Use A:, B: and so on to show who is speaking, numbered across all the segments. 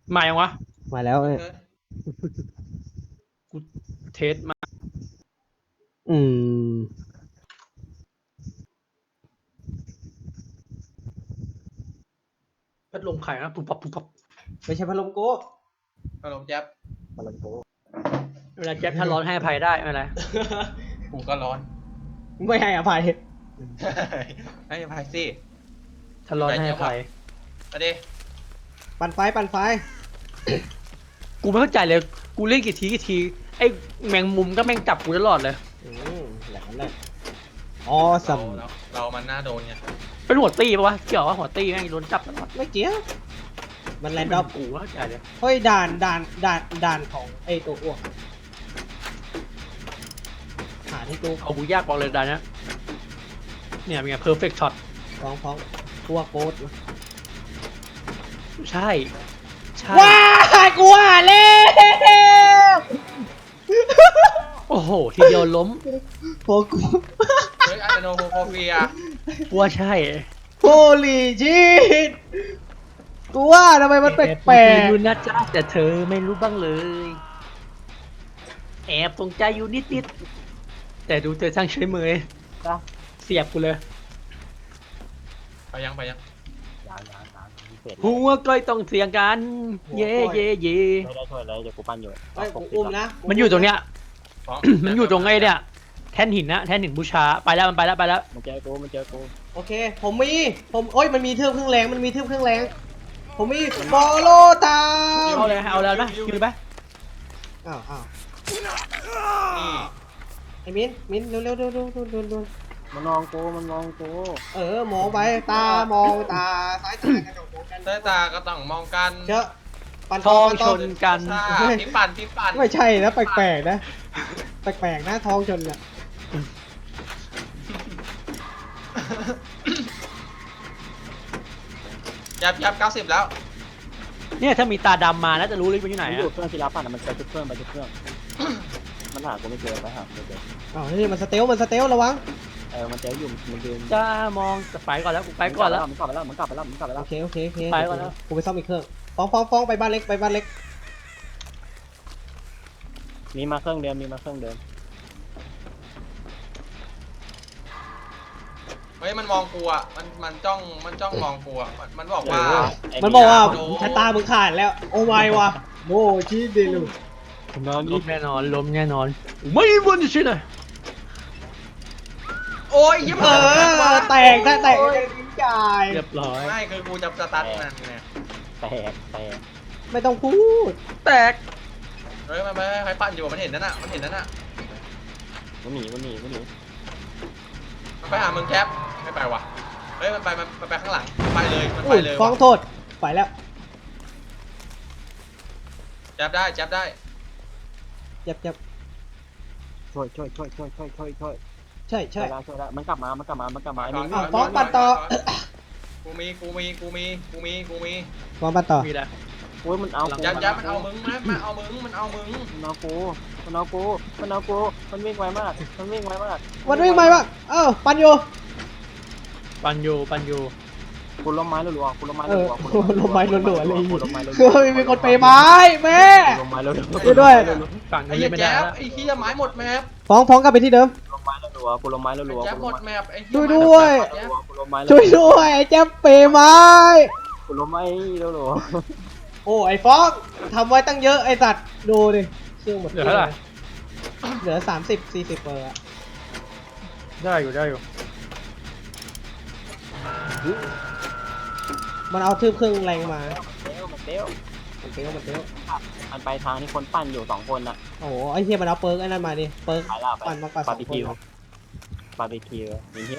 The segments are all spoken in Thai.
A: มายังวะ
B: มาแล้วเนี่ย
A: กูเทสมา
B: อืม
A: พัดลมไข่นะปุ๊บปับปุ๊บปับ
B: ไม่ใช่พัดลมโก้
C: พัดลมแจ๊บ
B: พัดลมโก้
A: เวลาแจ๊บถ้าร้อนให้อภัยได้ไม่เป็นไร
C: กูก็ร้อน
B: ไม่ให้อภัย
C: ให้อภัยสิ
A: ถ้าร้อนให้อภัย
C: มาดิ
B: ปั่นไฟปั่นไฟ
A: กูไม่เข้าใจเลยกูเล่นกี่ทีไอ้แมงมุมก็แม่งจับกูตลอดเลย
B: อย่างนั้นเลยอ๋อสัม
C: เรามันน่าโดนไง
A: เป็นหัวตีปะวะเกี่ยวว่าหัวตีแม่งโดนจับตลอด
B: ไม่เกี่ยวมันแรนดอม
A: กูเข้าใจเลย
B: เฮ้ยด่านของไอ้ตัวอ้วกหาที่ตู้
A: เอากูยากบอกเลยดานะเนี่ยเป็นไง perfect shot
B: ฟ้องตัวโกด
A: ใช่ใช่
B: ว้ายกูว่าแล้ว
A: โอ้โหทีเดียวล้ม
B: โฟกู
C: เฮ้ยอะโนโฟเฟีย
A: กูว่าใช่
B: โฮลี่ชิตกูว่าทำไมมันแปลก
A: อยู่นะจ๊ะแต่เธอไม่รู้บ้างเลย แอบตรงใจอยู่นิดๆแต่ดูเธอช่างใช้มือเสียบกูเลย
C: ไปยัง
A: หัวก้อยต้องเสียงกัน เย่เย่เย่
D: ไม่ได้ช่วยเลยเดี๋ยวกูปั้นอยู่
B: ๆไอ้กูอุ้มนะ
A: มันอยู่ตรงเนี้ย มันอยู่ตรงไอ้เนี่ยแท่นหินนะแท่นหินบูชาไปแล้วมันไปแล้ว
D: มันเจอกู
B: โอเคผมโอ้ยมันมีเทือกเครื่องแรงผมมีบอลโลตาม
A: เอาเลยเอาแล้วนะคิวเลยไหม
B: อ้าว
C: นี่
B: ไอ้มิ้นเร็วดู
D: มันมองกู
B: มองไปตามองตาซ้ายตากระจกมองกัน
C: สายตาก็ต้องมองกัน
B: เชอะปัน
A: ทองชนกัน
C: พี่ปั่น
B: ไม่ใช่นะแปลกๆนะทองชนเนี่ย
C: ยับ90แล้ว
A: เนี่ยถ้ามีตาดำมาน่าจะรู้เลยมันอยู่ไหน
D: มันอยู่
A: อะ
D: เครื่องศิลปะมันไปทุกเครื่องมันหากูไม่เจอไปหาไม่เจอ
B: อ้าวนี่มันสเตลระวัง
D: มันเจออยู่มันยืน
A: จะมองไปก่อนแล้วกูไปก่อนแล้ว
D: มันกลับไปแล้ว
B: โอเค
A: ไปก่อนแล้ว
B: กูไปซ่อมอีกเครื่องฟ้องไปบ้านเล็ก
D: มีมาเครื่องเดิม
C: เฮ้ยมันมองกูอ่ะมันจ้องมองกูอ่ะมันบอกว่า
B: มันบอกว่าชะตามึงขาดแล้วโอ้ไม่วะโมชิเดลู
A: ล้มแน่นอนไม่วันนี้ใช่ไหม
C: โอ้ยยิ้ม
B: แตกทิ้งจ่าย
A: เรียบร้อย
C: ไม่คือกูจะสตาร์ทนั่นไง
D: แตก
B: ไม่ต้องพูด
A: แตก
C: เฮ้ยมันไม่ใครปั่นอยู่มันเห็นนั่นน่ะ
D: มันหนี
C: มันไปหามึงแคปไม่ไปว่ะเฮ้ยมันไปข้างหลังไปเลยมันไปเลย
B: ฟ้องโทษไปแล้ว
C: จับได้
B: เจ็บ
D: ช่วย
B: ใช่
D: แล้วมันกลับมาไอ้นี่
B: ฟ้องปัดต่อ
C: กูมี
B: ฟ้องปัดต่อ
A: มีแล้ว
D: โอ้ยมันเอากู
C: ยับมันเอามึงมันเอามึง
D: มันเอากูมันวิ่งไวมาก
B: วันวิ่งไปบ้างปันโย
A: ปันอยู่
D: กูล้มไม้รัวๆ
B: ลมไม้รัวๆเลยมีคนเปย์ไม้แม่
D: ล้มไม้รัว
B: ช่วยด้วย
A: ฝั่ง
C: ไอ้
A: นี้
C: เหี้ย
A: ไม่
C: แจ๊
A: ได้
C: บ
A: แล้ว
C: ไอ้เหี้ยไม้หมดแมพ
B: ฟ้องกลับไปที่เดิม
D: ล้มไม้รัวกูล้มไม้รัว
C: แจ๊บหมดแมพไอ้
B: ช่วยด้วย
D: กูล้มไม้
B: ช่วยด้วยไอ้แจ๊บเปย์ไม้
D: กูล้มไม้รัว
B: โอ้ไอ้ฟ้องทำไว้ตั้งเยอะไอ้สัตว์ดูดิเครื่องหมด
A: เหลือเท่าไหร่
B: เหลือ30-40เปอร์อะ
A: ได้อยู่
B: มันเอาทืบเครื่องแรงมา
D: มันเตี้ยว
B: มันเตี้ยว
D: มันไปทางที่คนปั้นอยู่2คนน่ะ
B: โอ้โหไอ้เหี้ยมันเอาเปิร์กไอ้นั่นมาดิเปิร์ก
D: ไปแล้วไป
B: ปั่นมากกว่า
D: บาร์บี
B: 2 คน
D: คิวมีหิ้ว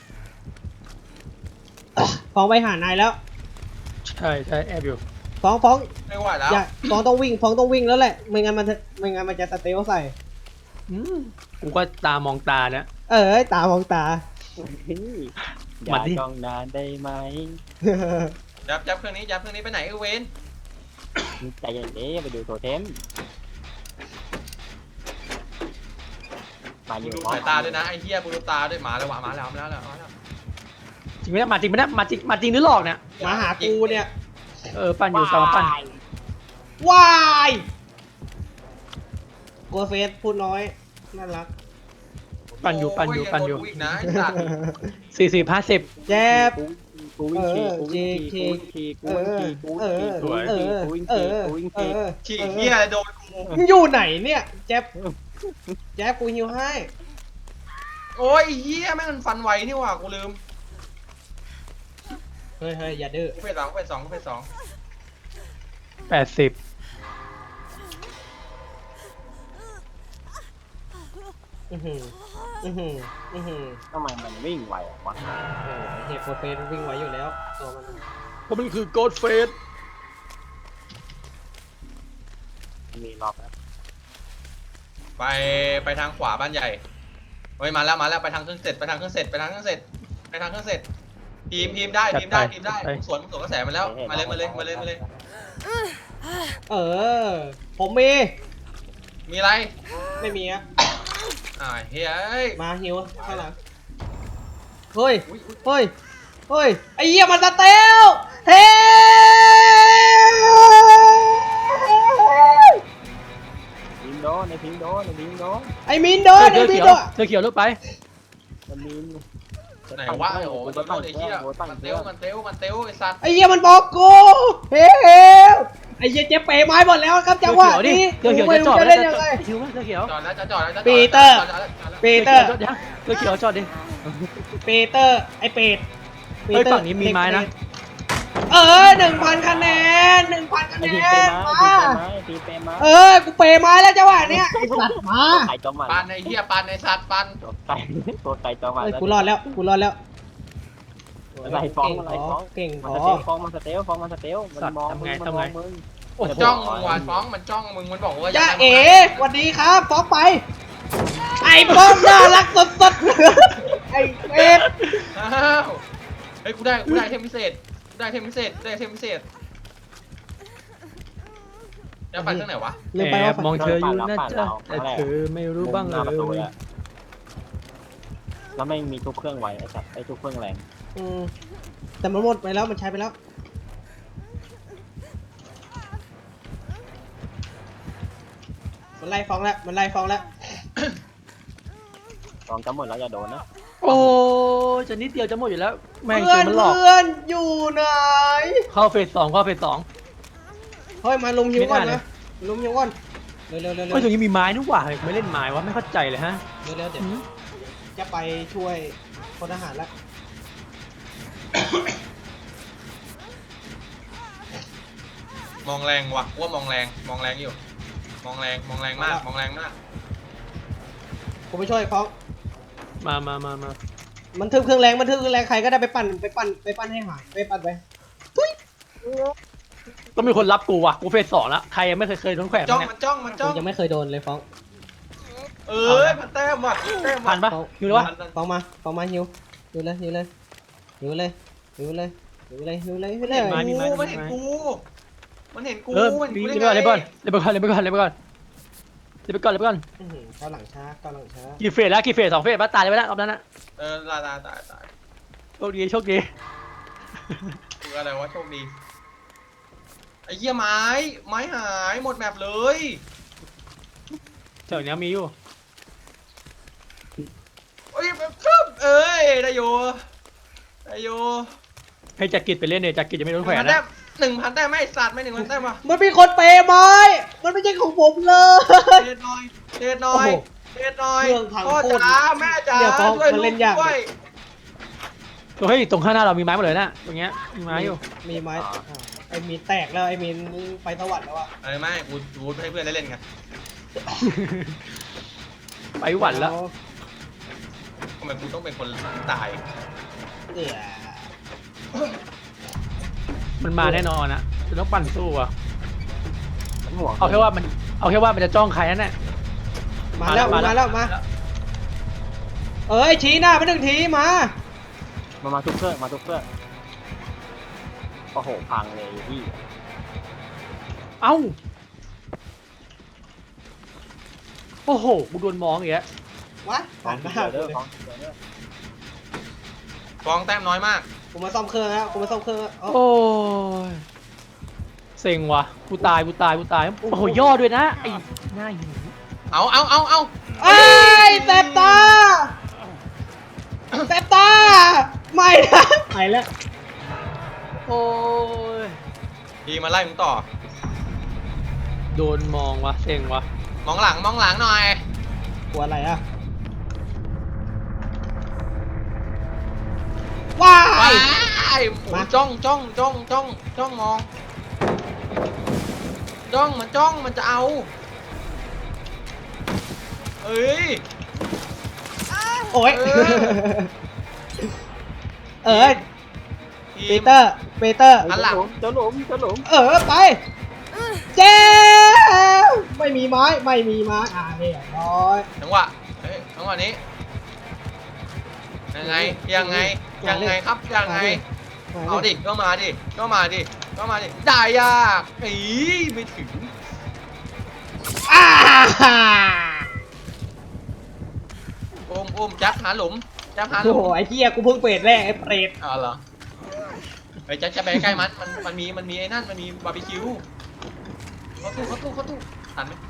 B: ฟ้องไปหานายแล้ว
A: ใช่แอบอยู่
B: ฟ้อง
C: ไม่ไหวแล้ว
B: อย่าฟ้องต้องวิ่งแล้วแหละไม่งั้นมันจะสเตลใส่
A: กูก็ตามองตาเนี่ย
B: ตามองตา
D: อย่าจ้องนานได้ไหม
C: จับเครื่องนี้ไปไหนเวน
D: ใจเย็นไปดูโทเทมมาอยู่
C: ดูสายตาด้วยนะไอ้เหี้ยดูตาด้วยมาแล้ว
A: จริงไหมเนี่ยมาจริงหรือหลอกเนี่ย
B: มาหากูเนี่ย
A: ปั่นอยู่ตามปั่น
B: วายโกเฟสพูดน้อยน่ารัก
A: ปั่นอยู่
C: โโงโดกูอีกนะไอ้สัตว์
A: 40 50
B: แจ๊บ
D: กูวิ่งขี่กูวิ่งขี่กูวิ่งขี่กูวิ่งขี่กูวิ่งขี่กูวิ่งขี่กูวิ่งขี่กูวิ่งขี่
C: ฉีกเหี้ยโดนกู
B: มึงอยู่ไหนเนี่ยแจ๊บแจ๊บกูฮิวให้
C: โอ้ยไอ้เหี้ยแม่งมันฟันไวนี่หว่ากูลืม
B: เฮ้ยอย่าดื้อ
C: กูเฟสสองกูเฟสสองกูเฟสสอง
A: 80
B: อื้อหืออื้อหืออื้อหือ
D: ทำไมมันวิ่งไววะ
B: เฮ้ยโกเฟสวิ่งไวอยู่แล้วตัวมัน
A: เพราะมันคือโกดเฟส
D: มีรอบแล้ว
C: ไปทางขวาบ้านใหญ่เฮ้ยมาแล้วไปทางเครื่องเสร็จไปทางเครื่องเสร็จไปทางเครื่องเสร็จไปทางเครื่องเสร็จทีมได้ทีมได้มึงสวนกระแสมันแล้วมาเลย
B: เออผมมี
C: มีอะไร
B: ไม่มีอะ
C: เฮ้ย
B: มาฮิวข้างหลังเฮ้ยเฮ้ยเฮ้ยไอ้เหี้ยมันสเตลเท
D: พิมโดนในพิมโดนในพิมโดน
B: ไอ้มินโดนไอ้มินโดน
A: เธอเขียวลุกไป
D: มันมี
C: ไหนวะโอ้โหมันโดนไอ้เหี้ยมันเตลไอ้สัตว์
B: ไอ้เหี้ยมันบอกกูเฮ้ยไอ้เหี้ยเจ๊เป๋ไม้หมดแล้วครับจังหวะนี้
A: เธอเขียว
B: ไม่
A: จะจ
B: รู้
A: อด
B: จะ
A: แล้
B: เล่
A: วน
B: ยังไง
A: คิวไหมเธอเขียว
C: จอดแล้วจะจอดแล้ว
B: ปีเตอร์ ปีเตอร์
A: เธอเขียวจอดดิ
B: ปีเตอร์ไอ้เป็ด
A: เฮ้ยฝั่งนี้มีไม้นะ
B: 1,000 คะแนน 1,000 คะ
D: ไอ้
B: แน
D: พิมเป
B: น
D: มา
B: มา
D: พิมเปมา
B: กูเปย์ไม้แล้วจังหวะเนี้ยไอ้สัตว์มา
D: ไก่จอมมัน
C: ปันไอ้เหี้ยปันไอ้สัตว์ปัน
D: ตัวไก่จอมมัน
B: เฮ้ยกูรอดแล้ว
D: อะไรฟ้องอะไรฟ้อง
B: เก่งพ
D: มัน
B: อ
D: สเตลฟ้องมันสเตลฟ้องมันสเตลมันมองมึงมันมองมึง
A: โอ้โห
C: จ้องมึงว่ะฟ้องมันจ้องมึงมันบอกว่า
B: ย่าเอ๋สวัสดีครับฟ้องไป ไอ้ป้อมน่ารักสดๆ ไอ้เป็ด
C: อ้าวเฮ้ยกูได้เทมพิเศษได้เทมพิเศษจะปั่นเครื่องไหนวะ
B: เร็วไป
A: แอ
B: ว่า
A: บมองเธออยู่นะจ๊ะแต่เธอไม่รู้บ้างเล
D: หน้ประตู
A: ย
D: แล้วไม่มีทุกเครื่องไวไอ้สัตว์ไอ้ทุกเครื่องแรง
B: แต่มันหมดไปแล้วมันใช้ไปแล้ว มันไล่ฟ้องแล้ว
D: ฟ้องจะหมดแล้วอย่าโดนนะ
A: โอ้จะนิดเดียวจะหมดอยู่แล้วแม่ง
B: เพื่
A: เก
B: อ
A: ม
B: น
A: มันหลอก
B: เพื่อนอยู่ไหน
A: เข้าเฟส 2เข้าเฟส 2
B: เฮ้ยมาลุมหิวก่อน
A: ไม่ได้เล
B: นะ
A: ย
B: ลุมหิวก่อนเร็วเร็วเร็ว
A: เฮ้ยตรงนี้มีไม้นี่หว่าไม่เล่นไม้วะไม่เข้าใจเลยฮะ
B: เดี๋ยวจะไปช่วยพลทหารแล้ว
C: มองแรงว่ะว่ามองแรงอยู่มองแรงมาก
B: ผมไปช่วยฟ้อง
A: มา
B: มันทึบเครื่องแรงใครก็ได้ไปปั่นให้หายไปปั่นไป
A: ต้องมีคนรับกูว่ะกูเฟส 2แล้วใครยังไม่เคยโดนแขวน
C: จ้อง
A: เนี่ย
C: มันจ้อง
B: ผมยังไม่เคยโดนเลยฟ้อง
C: มันแต้มว่ะ
A: ผ่านปะอยู่เลยวะ
B: ฟ้องมาหิวเลยหิวเลย
A: ไม้มีไม้
C: มันเห็นกูมันเห็นกู
A: เออ
C: มันเห็น
A: มี
C: กู
A: เล่นไปก่อน
C: ได้ไง
A: เล่นไปก่อน
B: ก้าวหลังช้า
A: กี่เฟสแล้วกี่เฟส2 เฟสปะตายเลยไปแล้วรอบนั้นนะ
C: ตาย
A: โชคดีโชคดี
C: คืออะไรวะโชคดีไอ้เหี้ยไม้หายหมดแมปเลย
A: เจ้าเนี้ยมีอยู่
C: เอ้ยครับได้อยู่
A: ให้จักริดไปเล่นเนี่ยจักริดจะไม่โดนแขวน
C: 1,000
A: นะ
C: แต้ม1,000 แต้มไม่สัตว์ไม่1,000 แต้มว่ะ
B: มันมีคนเปย์ไม้มันไม่ใช่ของผมเลย
C: เทหน่อยเรื่อง
B: โอ้โห
C: พ่อจ๋าแม่จ๋า
B: เดี๋ยวฟ้อง
C: ช่วย
B: มัน
C: ลู
B: เล่
C: ก
B: นยาก
C: ด้วย
A: เฮ้ยตรงข้างหน้าเรามีไม้หมดเลยนะตรงเงี้ยมีไม้อยู่
B: มีไม้ไอ้มีนแตกแล้วไอ้มีนไปสวรรค์แล้วอะ
C: ไม่กูให้เพื่อนได้เล่นกัน
A: ไปหวันแล้ว
C: ทำไมกูต้องเป็นคนตาย
B: เดี๋ยว
A: มันมาแน่นอนนะจะต้องปั่นสู้อ่ะ
D: มันห่วง
A: เอาแค่ว่ามันจะจ้องใครนั่นแหละ
B: มาแล้วมาเอ้ยชี้หน้าไป1 ทีมา
D: มาทุกเครื่องโอ้โหพังเลยพี่
A: เอ้าโอ้โหกูโดนมองอย่างเงี้ย
B: วะ
D: ฟ้อง
B: มา
D: เด้อฟ้อง
C: ฟองแต้มน้อยมาก
B: กูมาซ่อมเครื่องแล้ว
A: โอ้ยเซ็งว่ะกูตายโอ้โหย่อด้วยนะไอ้หน้าหิว
C: เอา
B: ไอ้ยแสบตาแสบตาไม่นะไปแล้ว
A: โอ้ย
C: ทีมาไล่มึงต่อ
A: โดนมองว่ะเซ็งว่ะ
C: มองหลังหน่อย
B: กลัวอะไรอะว้า
C: ว้าย
B: ย
C: โอ้จ้องมองจ้องมันจะเอาเอ้ย
B: โอ้ย
C: เออ
B: เอ้ย ปีเตอร์
C: หันหลัง
D: เจ้าหลุม
B: ไป เจ๊ไม่มีไม้เรียบร้อย
C: จังหวะนี้ยังไงครับยังไงเอาดิก็มาดิได้ยากอีไม่ถึง
B: อ้า
C: อุ้มแจ๊บหาหลุม
B: โอ้โหไอ้เหี้ยกูเพิ่งเปิดแรกไอ้เปรต
C: อ๋อเหรอไอ้แจ๊บจะไปใกล้มันมีไอ้นั่นมันมีบาร์บีคิวเข้าตู้ทันไหม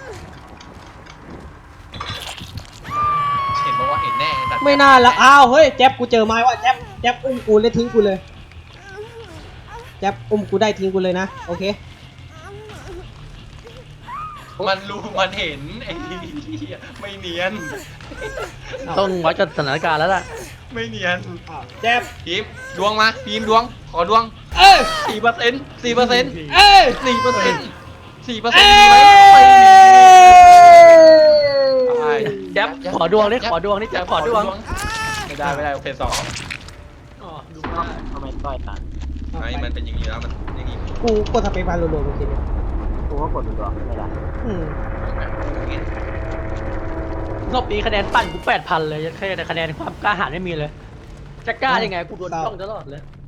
C: เห็นบอกว่าเห็นแน่สัตว์
B: ไม่น่าละอ้าวเฮ้ยแจ๊บกูเจอไม้ว่ะแจ๊บอุ้มกูแล้วทิ้งกูเลยแจ๊บอุ้มกูได้ทิ้งกูเลยนะโอเค
C: มันรู้มันเห็นไอ้เหี้ยไม่เนียน
A: ต้องวัดกับสถานการณ์แล้วล่ะ
C: ไม่เนียน
B: อ้าวแจ๊บ
C: พีมดวงมาพีมดวงขอดวง
B: เอ้ย
C: 4%
B: เอ้ย
C: 4%
B: เอ้
C: มีไหมไม่มี
B: ย
A: แจ๊บขอดวงนี่แจ๊บขอดวง
C: ไม่ได้โอเค2
A: อ๋อดูได้
D: ทำไมต้อยตาย
C: ไอ้มันเป็นอย่างนี้แล้วมันอย่างนี้
B: กูกดสเปซบาร์รัวๆเมื่อกี้เนี่ย
D: กูก็กดตัวไม่ได้
B: อืม
A: รอบนี้คะแนนปั่นกู8,000เลยแค่แต่คะแนนความกล้าหาญไม่มีเลย จะกล้ายังไงกูโดนจ้องตลอดเลย